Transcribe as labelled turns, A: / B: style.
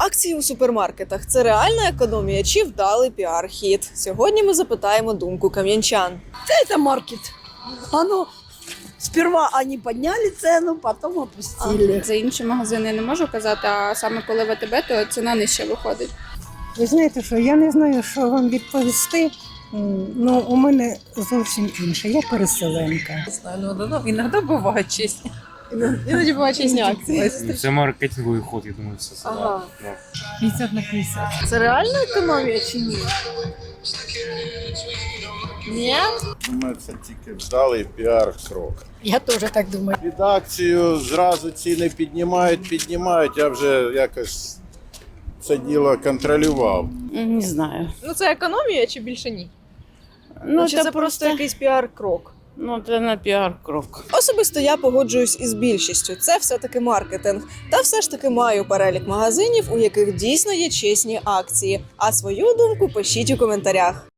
A: Акції у супермаркетах – це реальна економія чи вдалий піар-хід? Сьогодні ми запитаємо думку кам'янчан.
B: Это маркет. Оно сперва они подняли цену, потом опустили.
C: За інші магазини не можу казати, а саме коли ВТБ, то ціна нижче виходить.
D: Ви знаєте що, я не знаю, що вам відповісти. Ну, у мене зовсім інше. Я переселенка.
E: Ну, иногда бывает честно.
A: Іноді бувають різні акції.
F: Це маркетинговий ход, я думаю, все це.
A: Ага.
F: Да.
E: 50 на 50.
A: Це реальна економія чи ні? Ні?
G: Думаю, це тільки вдалий піар-крок.
B: Я тоже так думаю.
G: Під акцію зразу ціни піднімають, я вже якось це діло контролював.
H: Не знаю.
A: Ну це економія чи більше ні?
H: Ну,
A: Чи це просто якийсь піар-крок?
H: Ну, це на піар-крок.
A: Особисто я погоджуюсь із більшістю. Це все-таки маркетинг. Та все ж таки маю перелік магазинів, у яких дійсно є чесні акції. А свою думку пишіть у коментарях.